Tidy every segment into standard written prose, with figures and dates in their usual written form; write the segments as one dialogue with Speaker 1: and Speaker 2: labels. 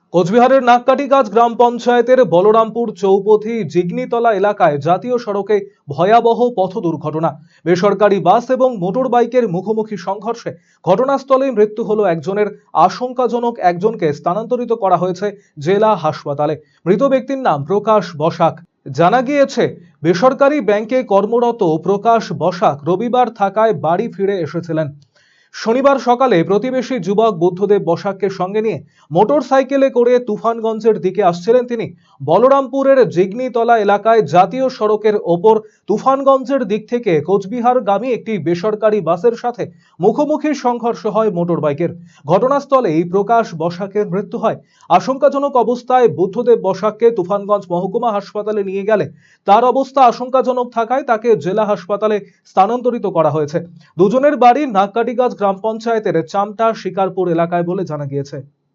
Speaker 1: কোচবিহারের নাককাটিগাছ গ্রাম পঞ্চায়েতের বলরামপুর চৌপথি জিগনিতলা এলাকায় জাতীয় সড়কে ভয়াবহ পথ দুর্ঘটনা। বেসরকারি বাস এবং মোটর বাইকের মুখোমুখি সংঘর্ষে ঘটনাস্থলেই মৃত্যু হলো একজনের। আশঙ্কাজনক একজনকে স্থানান্তরিত করা হয়েছে জেলা হাসপাতালে। মৃত ব্যক্তির নাম প্রকাশ বসাক। জানা গিয়েছে, বেসরকারি ব্যাংকে কর্মরত প্রকাশ বসাক রবিবার থাকায় বাড়ি ফিরে এসেছিলেন। শনিবার সকালে প্রতিবেশী যুবক বুদ্ধদেব বসাককে সঙ্গে নিয়ে মোটর সাইকেলে করে তুফানগঞ্জের দিকে আসছিলেন তিনি। বলরামপুরের জিগনিতলা এলাকায় জাতীয় সড়কের ওপর তুফানগঞ্জের দিক থেকে কোচবিহারগামী একটি বেসরকারি বাসের সাথে মুখোমুখি সংঘর্ষ হয় মোটর বাইকের। ঘটনাস্থলেই প্রকাশ বসাকের মৃত্যু হয়। আশঙ্কাজনক অবস্থায় বুদ্ধদেব বসাককে তুফানগঞ্জ মহকুমা হাসপাতালে নিয়ে গেলে তার অবস্থা আশঙ্কাজনক থাকায় তাকে জেলা হাসপাতালে স্থানান্তরিত করা হয়েছে। দুজনের বাড়ি নাককাটিগাছ গ্রাম পঞ্চায়েতের চামটা শিকারপুর এলাকায় বলে জানা গিয়েছে।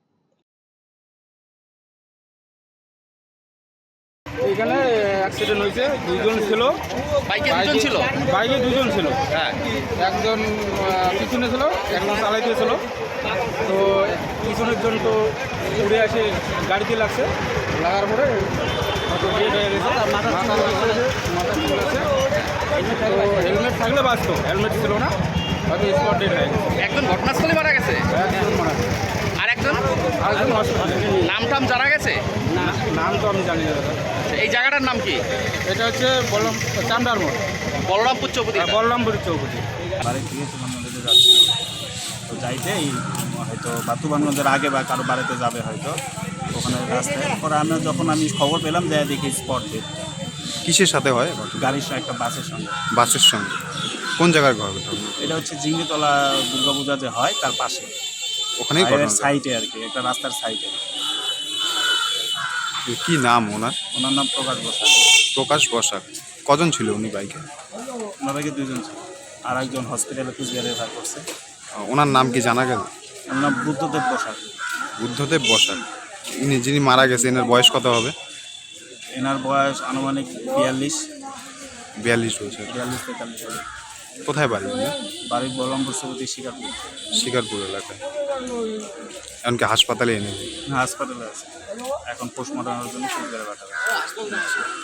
Speaker 2: এখানে অ্যাক্সিডেন্ট হয়েছে, দুজন ছিল। বাইকে দুজন ছিল। হ্যাঁ, একজন পিছনে ছিল, একজন চালাইতেছিল। তো পিছনের জন তো উড়ে আসে গাড়িতে লাগছে, লাগার পরে ডেড হয়ে গেছে। মাথা ফুল আছে। তো হেলমেট থাকলে বাঁচত, হেলমেট ছিল না, হয়তো স্পট ডেড হয়ে গেছে।
Speaker 3: একজন ঘটনাস্থলে মারা গেছে,
Speaker 2: একজন মারা গেছে,
Speaker 3: আরেকজন
Speaker 2: হসপিটালে।
Speaker 3: নাম টাম জানা গেছে?
Speaker 2: নাম তো আমি জানি না দাদা।
Speaker 3: এই জায়গাটার নাম কি?
Speaker 2: এটা হচ্ছে চামড়ার মোড়,
Speaker 3: বলরামপুর চৌপতি।
Speaker 2: বলরামপুর চৌপতি।
Speaker 4: বাড়ি থেকে তুফানগঞ্জে যাচ্ছিল, তো যাইতে হয়তো বা তুফানগঞ্জের আগে বা কারো বাড়িতে যাবে হয়তো, ওখানে রাস্তায় পরে যখন আমি খবর পেলাম যাই দেখি স্পট ডেট।
Speaker 5: কিসের সাথে হয়?
Speaker 4: গাড়ির সঙ্গে একটা বাসের সঙ্গে।
Speaker 5: বাসের সঙ্গে? কোন জায়গার ঘর ওটা?
Speaker 4: এটা হচ্ছে জিঙ্গিতলা দুর্গাপূজা যে হয় তার পাশে,
Speaker 5: ওখানেই
Speaker 4: সাইডে আর কি, একটা রাস্তার সাইডে।
Speaker 5: কি নাম ওনার?
Speaker 4: ওনার নাম প্রকাশ বসাক।
Speaker 5: প্রকাশ বসাক। কজন ছিল উনি বাইকে?
Speaker 4: ওনার বাইকে দুজন ছিল, আর একজন হসপিটালে কুচবিহারে রেফার করছে।
Speaker 5: ওনার নাম কি জানা গেল?
Speaker 4: ওনার নাম বুদ্ধদেব বসাক।
Speaker 5: বুদ্ধদেব বসাক। যিনি মারা গেছে এনার বয়স কত হবে?
Speaker 4: এনার বয়স আনুমানিক 42
Speaker 5: বছর।
Speaker 4: 43-43 হবে।
Speaker 5: কোথায় বাড়ি?
Speaker 4: বাড়ির বলরামপুর চৌপতি শিকারপুর।
Speaker 5: শিকারপুর এলাকায়। এমনকি হাসপাতালে এনে
Speaker 4: হাসপাতালে আছে, এখন পোস্টমর্টমের জন্য কুচবিহারে পাঠাবে।